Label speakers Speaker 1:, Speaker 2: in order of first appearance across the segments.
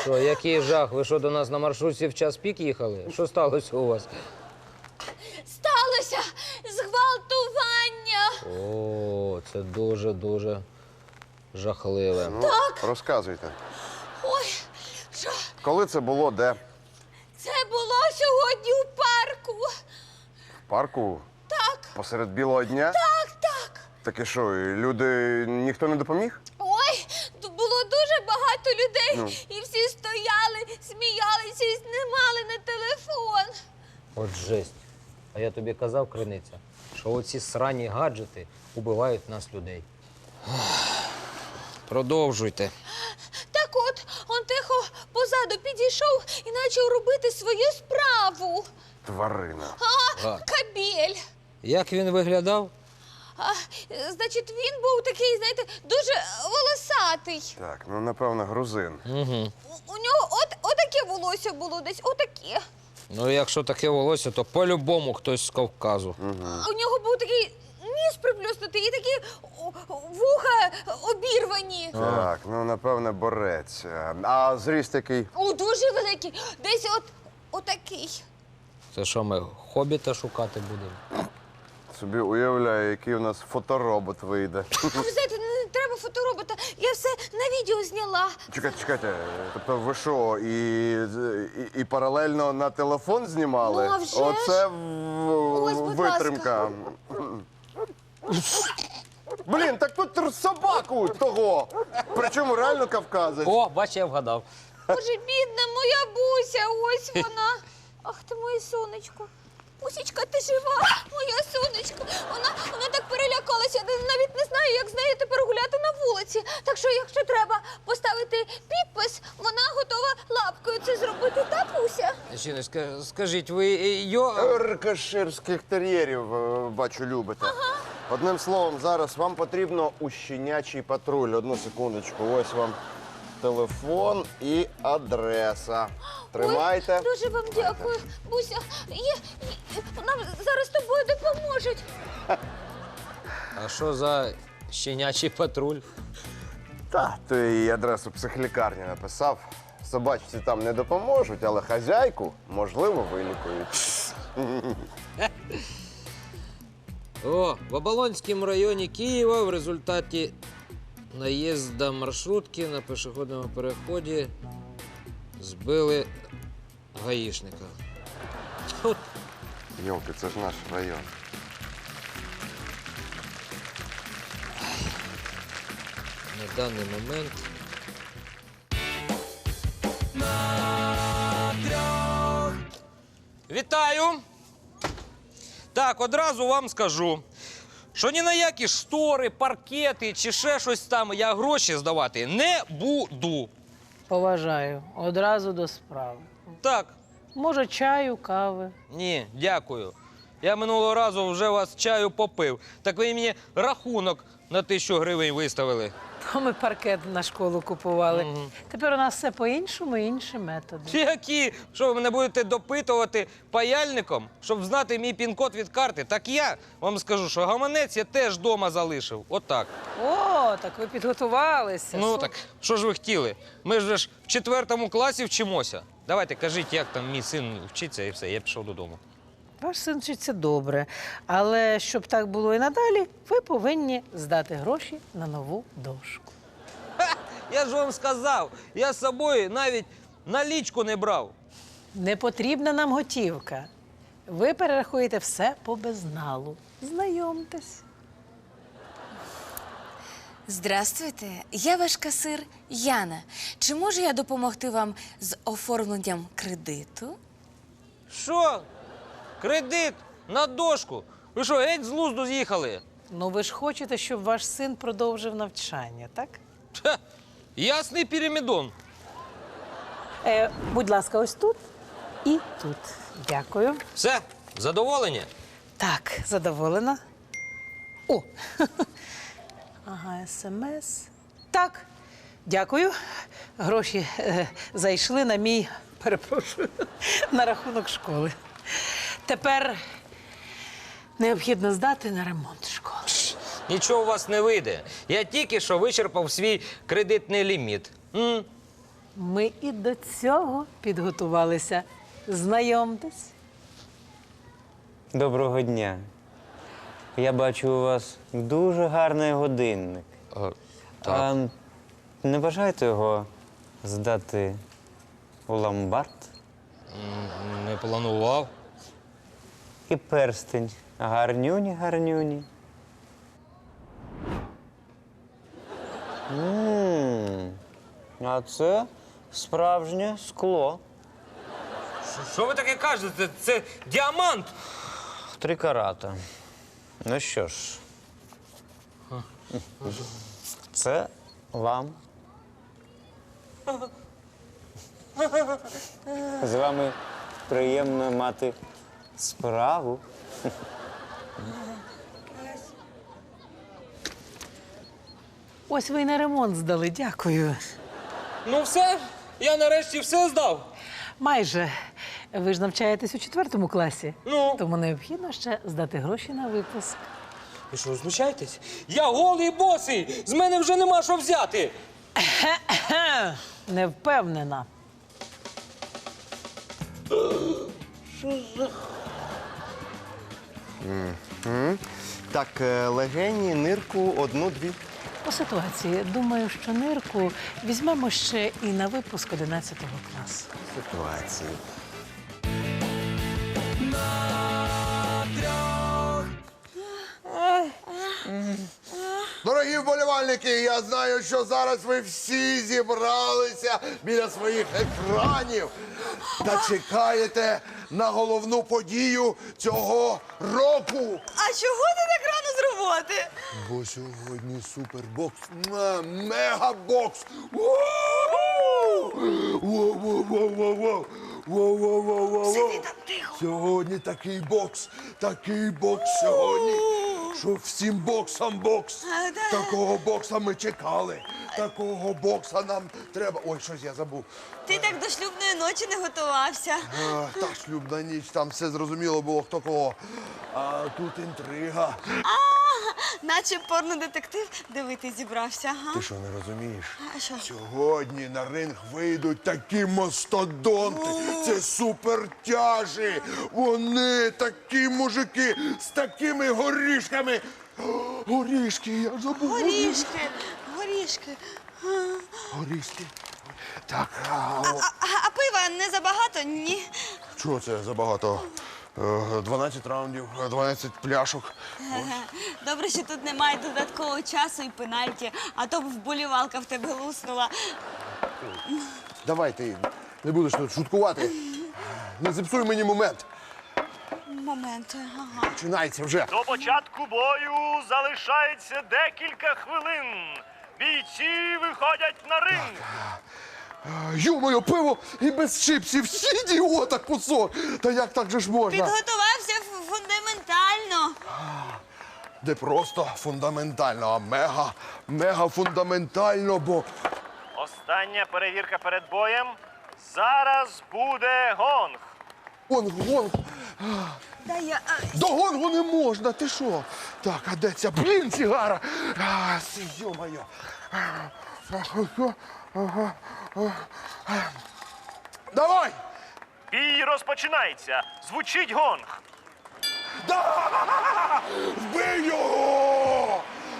Speaker 1: Що, який жах? Ви що, до нас на маршрутці в час пік їхали? Що сталося у вас?
Speaker 2: Сталося зґвалтування.
Speaker 1: О, це дуже-дуже жахливе.
Speaker 3: Ну, так. Розказуйте.
Speaker 2: Ой, що?
Speaker 3: Коли це було, де?
Speaker 2: Це було сьогодні у парку.
Speaker 3: В парку?
Speaker 2: Так.
Speaker 3: Посеред білого дня?
Speaker 2: Так, так.
Speaker 3: Так і що, і люди, ніхто не допоміг?
Speaker 2: Ой, тут було дуже багато людей. І всі стояли, сміялися і знімали на телефон.
Speaker 1: От жесть. А я тобі казав, Криниця, що оці срані гаджети убивають нас, людей. Продовжуйте.
Speaker 2: Так от, он тихо позаду підійшов і почав робити свою справу.
Speaker 3: Тварина.
Speaker 2: Кабель.
Speaker 1: Як він виглядав?
Speaker 2: Значить, він був такий, знаєте, дуже волосатий.
Speaker 3: Так, ну, напевно, грузин.
Speaker 1: Угу.
Speaker 2: У нього отаке волосся було десь, отаке.
Speaker 1: Ну, якщо таке волосся, то по-любому хтось з Кавказу.
Speaker 2: У нього був такий ніс приплюснутий і такі вуха обірвані.
Speaker 3: Так, ну, напевне, борець. А зріст який?
Speaker 2: Дуже великий. Десь отакий.
Speaker 1: Це що, ми хобіта шукати будемо?
Speaker 3: Собі уявляю, який у нас фоторобот вийде.
Speaker 2: А ви знаєте, не треба фоторобота. Я все на відео зняла.
Speaker 3: Чекайте, тобто ви що, і паралельно на телефон знімали?
Speaker 2: Ну, а вже ж.
Speaker 3: Оце
Speaker 2: Ось, будь
Speaker 3: витримка. Блін, так тут собаку того. Причому реально кавказець.
Speaker 1: О, бач, я вгадав.
Speaker 2: Боже, бідна моя Буся, ось вона. Ах ти моє сонечко. Бусечка, ти жива, моя сонечко. Вона так перелякалася, я навіть не знаю, як з нею тепер гуляти на вулиці. Так що, якщо треба поставити підпис, вона готова лапкою це зробити, та, Буся?
Speaker 1: Жіночка, скажіть, ви
Speaker 3: Рикоширських тер'єрів, бачу, любите. Одним словом, зараз вам потрібно у щенячий патруль. Одну секундочку, ось вам телефон і адреса. Тримайте.
Speaker 2: Ой, дуже вам дякую, Буся. Нам зараз з тобою допоможуть.
Speaker 1: А що за щенячий патруль?
Speaker 3: Та, то і адресу психлікарні написав. Собачці там не допоможуть, але хазяйку, можливо, вилікують.
Speaker 1: О, в Оболонському районі Києва в результаті наїзду маршрутки на пішохідному переході збили гаїшника. Тут
Speaker 3: Йолки, це ж наш район.
Speaker 1: на даний момент Вітаю! Так, одразу вам скажу, що ні на які штори, паркети чи ще щось там я гроші здавати не буду.
Speaker 4: Поважаю. Одразу до справи.
Speaker 1: Так,
Speaker 4: Може, чаю, кави.
Speaker 1: ні, дякую. Я минулого разу вже вас чаю попив. Так ви мені рахунок на 1000 гривень виставили.
Speaker 4: То ми паркет на школу купували. Тепер у нас все по-іншому, інші методи.
Speaker 1: Які? Що ви мене будете допитувати паяльником, щоб знати мій пін-код від карти? Так я вам скажу, що гаманець я теж вдома залишив. Отак.
Speaker 4: О, так ви підготувалися.
Speaker 1: Ну так, що ж ви хотіли? Ми ж в 4 класі вчимося. Давайте, кажіть, як там мій син вчиться і все, я пішов додому.
Speaker 4: Ваш син вчиться добре. Але щоб так було і надалі, ви повинні здати гроші на нову дошку.
Speaker 1: Я ж вам сказав, я з собою навіть налічку не брав.
Speaker 4: Не потрібна нам готівка. Ви перерахуєте все по безналу. Знайомтесь.
Speaker 2: Здравствуйте, я ваш касир Яна. Чи можу я допомогти вам з оформленням кредиту?
Speaker 1: Що? Кредит на дошку? Ви що, геть з глузду з'їхали?
Speaker 4: Ну, ви ж хочете, щоб ваш син продовжив навчання, так?
Speaker 1: Ха, ясний пірамідон.
Speaker 4: Будь ласка, ось тут і тут. Дякую.
Speaker 1: Все, задоволені?
Speaker 4: Так, задоволена. О! Ага, СМС. Так, дякую. Гроші зайшли на мій, перепрошую, на рахунок школи. Тепер необхідно здати на ремонт школи.
Speaker 1: Нічого у вас не вийде. Я тільки що вичерпав свій кредитний ліміт.
Speaker 4: Ми і до цього підготувалися. Знайомтесь.
Speaker 5: Доброго дня. Я бачу, у вас дуже гарний годинник.
Speaker 1: Так.
Speaker 5: Не бажаєте його здати у ломбард?
Speaker 1: Не планував.
Speaker 5: І перстень. Гарнюні. А це справжнє скло.
Speaker 1: Що ви таке кажете? Це діамант.
Speaker 5: 3 карата. Ну що ж. Це вам. З вами приємно мати справу.
Speaker 4: Ось ви й на ремонт здали, дякую.
Speaker 1: Ну все, я нарешті все здав.
Speaker 4: Майже. Ви ж навчаєтесь у 4 класі.
Speaker 1: Ну?
Speaker 4: Тому необхідно ще здати гроші на випуск.
Speaker 1: Ви що, знущаєтесь? Я голий босий! З мене вже нема що взяти!
Speaker 4: Не впевнена.
Speaker 3: Так, легені, нирку, 1-2.
Speaker 4: По ситуації, думаю, що нирку візьмемо ще і на випуск 11 класу.
Speaker 3: Ситуації. Дорогі вболівальники, я знаю, що зараз ви всі зібралися біля своїх екранів та чекаєте на головну подію цього року.
Speaker 2: А чого ти так рано з роботи?
Speaker 3: Бо сьогодні супербокс, мегабокс. Воу-воу-воу-воу-воу. Воу-воу-воу-воу-воу.
Speaker 2: Сиди там тихо.
Speaker 3: Сьогодні такий бокс сьогодні, що всім боксам бокс. Такого бокса ми чекали. Такого бокса нам треба. Ой, щось я забув.
Speaker 2: Ти так до шлюбної ночі не готувався.
Speaker 3: Та шлюбна ніч, там все зрозуміло було, хто кого. А тут інтрига.
Speaker 2: Наче порнодетектив дивитись зібрався, ага.
Speaker 3: Ти що, не розумієш?
Speaker 2: А що?
Speaker 3: Сьогодні на ринг вийдуть такі мастодонти. Це супертяжі. Вони такі мужики з такими горішками. Горішки, я забув.
Speaker 2: Горішки.
Speaker 3: Горішки. Так,
Speaker 2: А пива не забагато? Ні.
Speaker 3: чого це забагато? 12 раундів, 12 пляшок.
Speaker 2: Добре, що тут немає додаткового часу і пенальті, а то б вболівалка в тебе луснула.
Speaker 3: Давай ти не будеш тут шуткувати. Не зіпсуй мені момент.
Speaker 2: Момент, ага.
Speaker 3: Починається вже.
Speaker 6: До початку бою залишається декілька хвилин. Бійці виходять на ринг.
Speaker 3: Ю-моє, пиво і без чипсів. Ідіота кусок. Та як так же ж можна?
Speaker 2: Підготувався фундаментально.
Speaker 3: Не просто фундаментально, а мега фундаментально, бо
Speaker 6: Остання перевірка перед боєм. Зараз буде гонг.
Speaker 3: гонг.
Speaker 2: Та я...
Speaker 3: До гонгу не можна, ти що? Так, а де ця, блін, сігара? Йо-моє. Давай!
Speaker 6: Бій розпочинається. Звучить гонг.
Speaker 3: Да! Вбий його!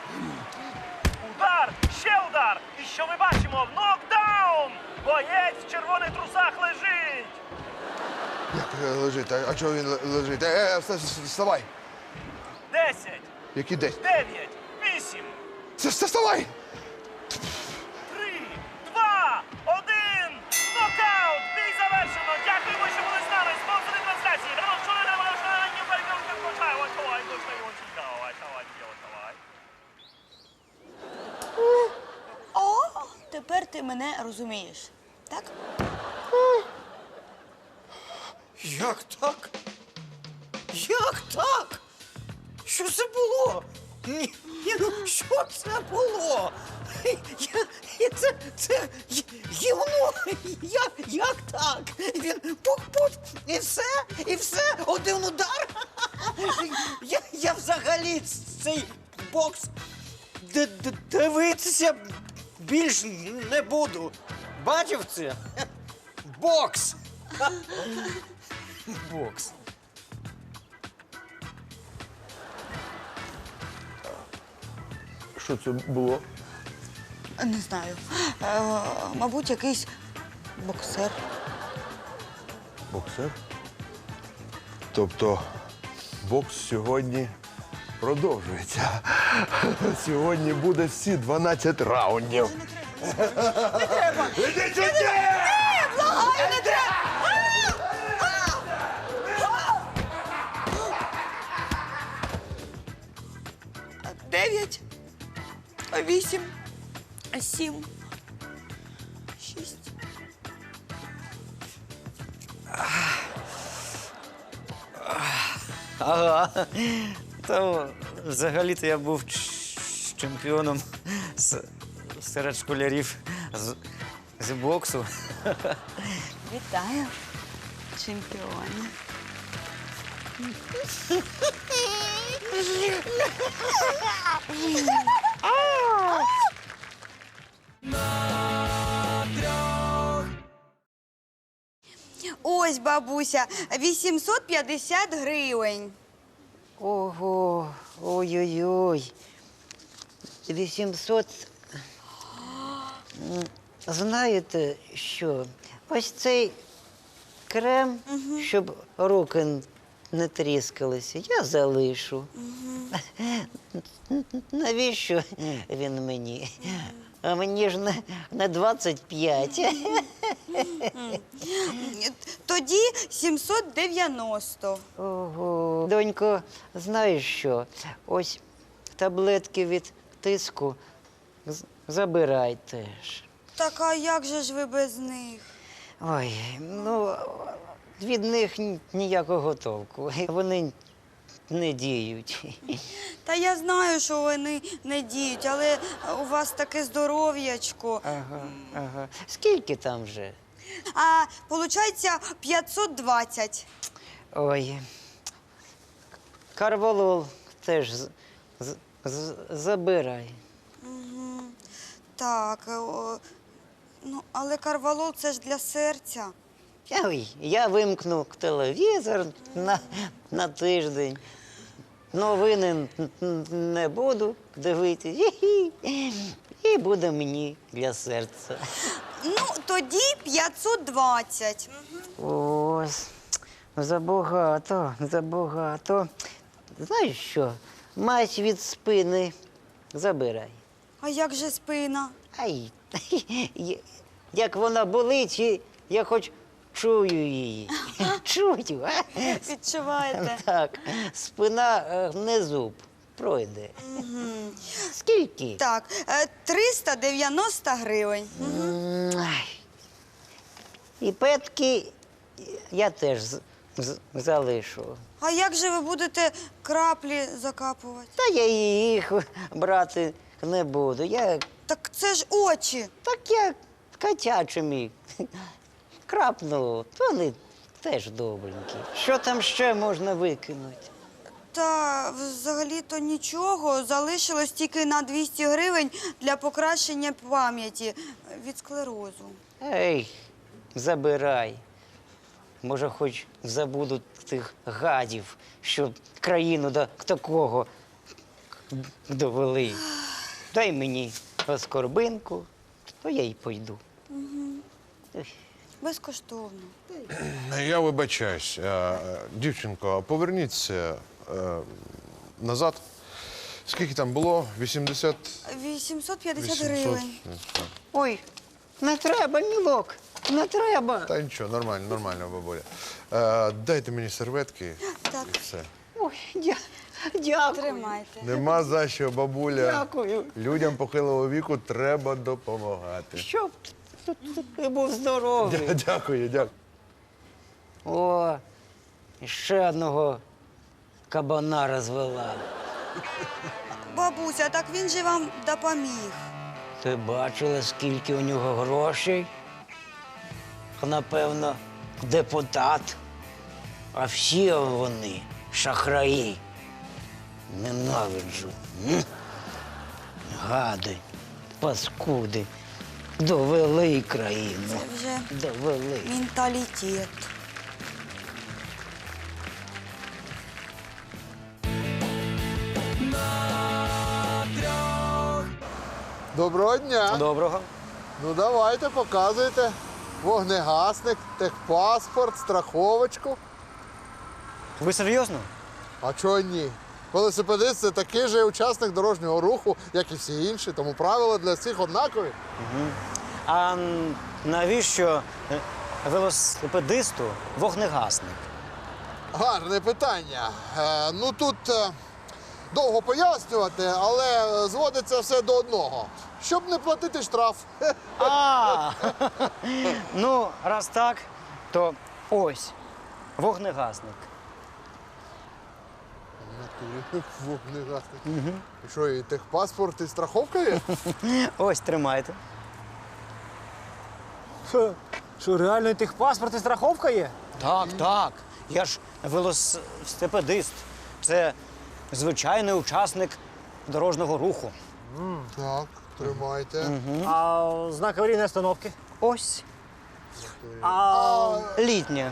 Speaker 6: Удар, ще удар. І що ми бачимо? Нокдаун! Боєць в червоних трусах лежить.
Speaker 3: Як лежить? А чого він лежить? Вставай!
Speaker 6: 10,
Speaker 3: Які десь?
Speaker 6: 9, 8,
Speaker 3: Вставай!
Speaker 6: 3, 2, 1. Нокаут! Бій завершено! Дякуємо, що були з нами! Спонсори трансляції!
Speaker 2: О, тепер ти мене розумієш, так?
Speaker 7: Як так? Як так? Що це було? Ну, що це було? Це гівно. Як так? Він пук-пук, і все, один удар. Я взагалі цей бокс дивитися більш не буду. бачив це? Бокс! Бокс.
Speaker 3: Що це було?
Speaker 8: Не знаю. Мабуть, якийсь боксер.
Speaker 9: Боксер? Тобто бокс сьогодні продовжується. Сьогодні буде всі 12 раундів. Не треба! Іди сюди!
Speaker 8: Благаю, не треба! 9, 8, 7, 6.
Speaker 5: Ага. То взагалі-то я був чемпіоном серед школярів з боксу.
Speaker 8: Вітаю, чемпіоне. Ось, бабуся, 850 гривень.
Speaker 4: Ого, ой-ой-ой. 800. Знаєте що? Ось цей крем, щоб руки не тріскалися, я залишу. Навіщо він мені? А мені ж на 25.
Speaker 8: Тоді 790.
Speaker 4: Ого. Донько, знаєш що? Ось таблетки від тиску забирай теж.
Speaker 8: Так а як же ж ви без них?
Speaker 4: Ой, ну, від них ніякого толку. Вони не діють.
Speaker 8: Та я знаю, що вони не діють, але у вас таке здоров'ячко.
Speaker 4: Ага. Скільки там вже?
Speaker 8: А виходить 520.
Speaker 4: Ой. Карвалол теж забирай.
Speaker 8: Так, ну, але карвалол це ж для серця.
Speaker 4: Ой, я вимкну телевізор на тиждень. Новини не буду дивитися. І буде мені для серця.
Speaker 8: Ну, тоді 520.
Speaker 4: Ось, забагато. Знаєш що? Мазь від спини забирай.
Speaker 8: А як же спина?
Speaker 4: Ай, як вона болить, і я хоч чую її. Чую, а?
Speaker 8: Відчуваєте?
Speaker 4: Так, спина не зуб, пройде. Скільки?
Speaker 8: Так, 390 гривень.
Speaker 4: Ай. І петки я теж залишу.
Speaker 8: А як же ви будете краплі закапувати?
Speaker 4: Та я їх брати не буду.
Speaker 8: Так це ж очі.
Speaker 4: Так я котячими крапну, то вони теж добренькі. Що там ще можна викинути?
Speaker 8: Та взагалі-то нічого. Залишилось тільки на 200 гривень для покращення пам'яті від склерозу.
Speaker 4: Ей, забирай. Може, хоч забуду тих гадів, що країну до такого довели. Дай мені оскорбинку, то я й пойду.
Speaker 8: Безкоштовно.
Speaker 9: Я вибачаюсь. Дівчинко, поверніться назад. Скільки там було? 80?
Speaker 8: 850 гривень.
Speaker 4: Ой, не треба, мілок, не треба.
Speaker 9: Та нічого, нормально, бабуля. Дайте мені серветки
Speaker 8: Так.
Speaker 9: і все.
Speaker 4: Ой, дякую.
Speaker 8: Тримайте.
Speaker 9: Нема за що, бабуля.
Speaker 4: Дякую.
Speaker 9: Людям похилого віку треба допомагати.
Speaker 4: Щоб ти був здоровий.
Speaker 9: Дякую.
Speaker 4: О, ще одного кабана розвела.
Speaker 8: Бабуся, так він же вам допоміг.
Speaker 4: Ти бачила, скільки у нього грошей? Напевно, депутат. А всі вони шахраї. Ненавиджу. Гади, паскуди. Довели країну.
Speaker 8: Це вже
Speaker 4: Довели.
Speaker 8: менталітет.
Speaker 9: Доброго дня.
Speaker 5: Доброго.
Speaker 9: Ну давайте, показуйте. Вогнегасник, техпаспорт, страховочку.
Speaker 5: Ви серйозно?
Speaker 9: А чого ні? Велосипедист – це такий же учасник дорожнього руху, як і всі інші, тому правила для всіх однакові.
Speaker 5: А навіщо велосипедисту вогнегасник?
Speaker 9: Гарне питання. Ну тут довго пояснювати, але зводиться все до одного. Щоб не платити штраф.
Speaker 5: А, ну, раз так, то ось вогнегасник.
Speaker 9: Вогнегасник. І що, і техпаспорт, і страховка є?
Speaker 5: Ось тримайте.
Speaker 7: Що, реально техпаспорт і страховка є?
Speaker 5: Так, так. Я ж велосипедист. Це звичайний учасник дорожнього руху.
Speaker 9: Так, тримайте.
Speaker 7: А знак аварійної остановки?
Speaker 5: Ось
Speaker 7: А
Speaker 5: літня.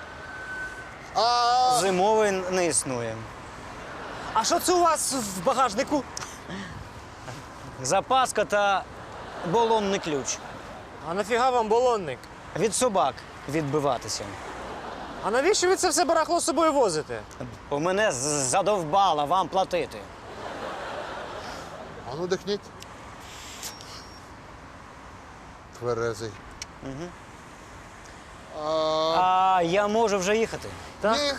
Speaker 9: А
Speaker 5: Зимовий не існує.
Speaker 7: а що це у вас в багажнику?
Speaker 5: Запаска та балонний ключ.
Speaker 7: А нафіга вам балонник?
Speaker 5: Від собак відбиватися.
Speaker 7: А навіщо ви це все барахло з собою возите?
Speaker 5: Бо мене задовбала вам платити.
Speaker 9: А ну дихніть. Тверезий.
Speaker 5: А я можу вже їхати.
Speaker 7: Так?
Speaker 9: Ні.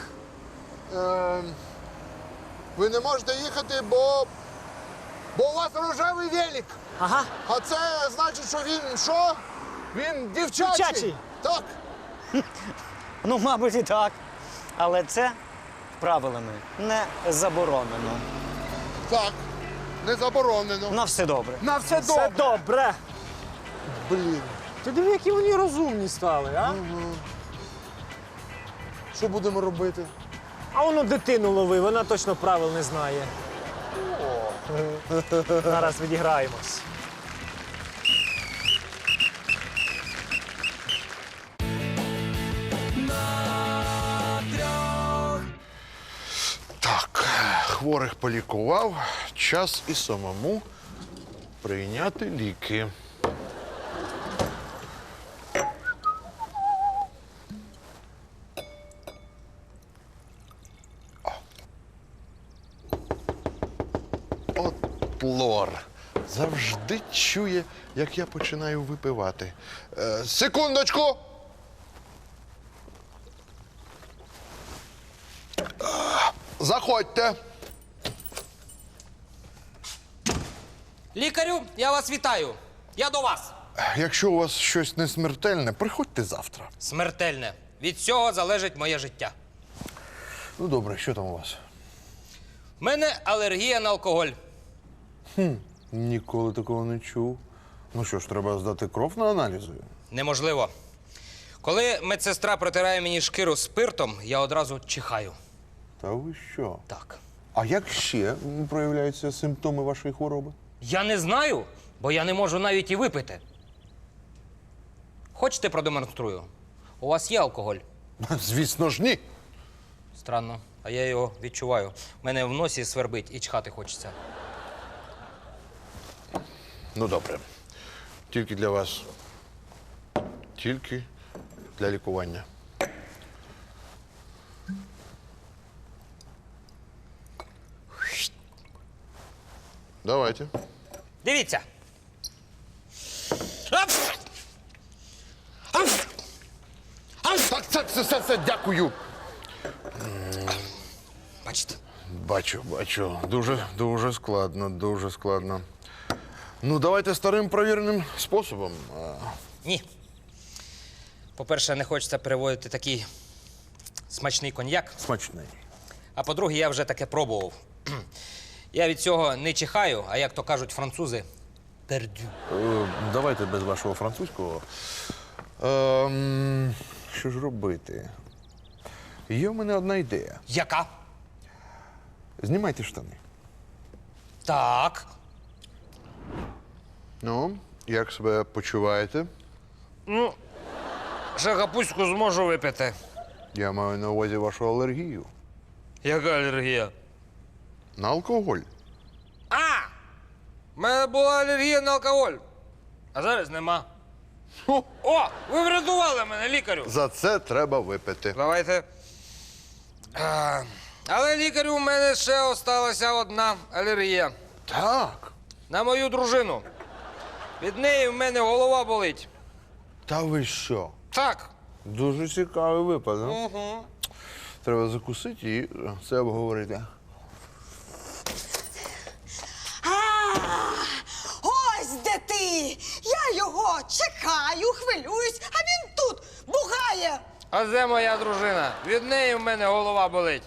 Speaker 9: Ви не можете їхати, бо у вас рожевий велик.
Speaker 7: Ага.
Speaker 9: А це значить, що він що? Він дівчачий.
Speaker 7: Дівчачий.
Speaker 9: Так.
Speaker 5: Ну, мабуть, і так. Але це правилами не заборонено.
Speaker 9: Так. Не заборонено.
Speaker 5: На все добре.
Speaker 9: На все
Speaker 7: Все
Speaker 9: добре.
Speaker 7: добре.
Speaker 9: Блін.
Speaker 7: Ти диви, які вони розумні стали, а?
Speaker 9: Що будемо робити?
Speaker 7: А воно дитину лови, вона точно правил не знає. Зараз відіграємось.
Speaker 9: Так, хворих полікував. Час і самому прийняти ліки. От лор. Завжди чує, як я починаю випивати. Секундочку! Заходьте.
Speaker 1: Лікарю, я вас вітаю. Я до вас.
Speaker 9: Якщо у вас щось не смертельне, приходьте завтра.
Speaker 1: Смертельне. Від цього залежить моє життя.
Speaker 9: Ну добре, що там у вас?
Speaker 1: У мене алергія на алкоголь.
Speaker 9: Ніколи такого не чув. Ну що ж, треба здати кров на аналізи.
Speaker 1: Неможливо. Коли медсестра протирає мені шкіру спиртом, я одразу чихаю.
Speaker 9: Та ви що?
Speaker 1: Так.
Speaker 9: А як ще проявляються симптоми вашої хвороби?
Speaker 1: Я не знаю, бо я не можу навіть і випити. Хочете, продемонструю? У вас є алкоголь?
Speaker 9: Звісно ж, ні.
Speaker 1: Странно, а я його відчуваю. У мене в носі свербить і чхати хочеться.
Speaker 9: Ну добре. Тільки для вас. Тільки для лікування. Давайте.
Speaker 1: Дивіться.
Speaker 9: Так, це, дякую.
Speaker 1: Бачите?
Speaker 9: Бачу. Дуже складно. Ну, давайте старим провіреним способом.
Speaker 1: Ні. По-перше, не хочеться переводити такий смачний коньяк.
Speaker 9: Смачний.
Speaker 1: А по-друге, я вже таке пробував. Я від цього не чихаю, а як то кажуть французи, пердю.
Speaker 9: Давайте без вашого французького. Що ж робити? Є в мене одна ідея.
Speaker 1: Яка?
Speaker 9: Знімайте штани.
Speaker 1: Так.
Speaker 9: Ну, Як себе почуваєте?
Speaker 1: Ну, ще капустку зможу випити.
Speaker 9: Я маю на увазі вашу алергію.
Speaker 1: Яка алергія?
Speaker 9: На алкоголь.
Speaker 1: У мене була алергія на алкоголь. А зараз нема. О, ви врятували мене, лікарю.
Speaker 9: За це треба випити.
Speaker 1: Давайте. Але лікарю, у мене ще осталася одна алергія.
Speaker 9: Так.
Speaker 1: На мою дружину. Від неї в мене голова болить.
Speaker 9: Та ви що?
Speaker 1: Так.
Speaker 9: Дуже цікавий випадок.
Speaker 1: Угу.
Speaker 9: Треба закусити і це обговорити.
Speaker 8: Ось де ти! Я його чекаю, хвилююсь, а він тут бугає.
Speaker 1: А де моя дружина? Від неї в мене голова болить.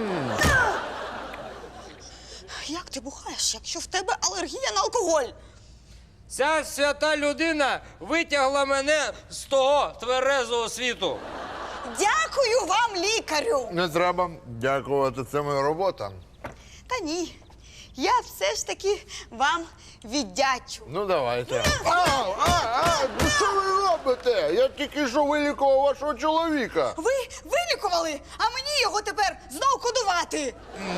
Speaker 8: Як ти бухаєш, якщо в тебе алергія на алкоголь?
Speaker 1: Ця свята людина витягла мене з того тверезого світу.
Speaker 8: Дякую вам, лікарю.
Speaker 9: Не треба дякувати, це моя робота.
Speaker 8: Та ні, я все ж таки вам віддячу.
Speaker 9: Ну, давайте. Ну що ви робите? Я тільки що вилікував вашого чоловіка.
Speaker 8: Ви вилікували, а мені його тепер знов кодувати.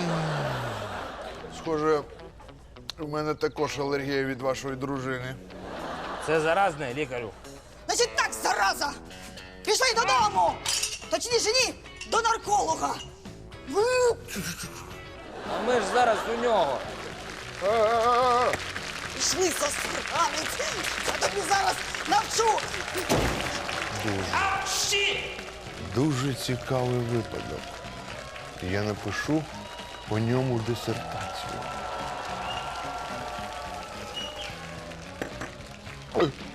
Speaker 9: Схоже, у мене також алергія від вашої дружини.
Speaker 1: Це заразне, лікарю.
Speaker 8: Значить так, зараза! Пішли додому! Точніше, ні, до нарколога.
Speaker 1: А ми ж зараз у нього.
Speaker 8: Пішли, засранець! Я тобі зараз навчу!
Speaker 9: Дуже цікавий випадок. Я напишу по ньому дисертацію. Ой.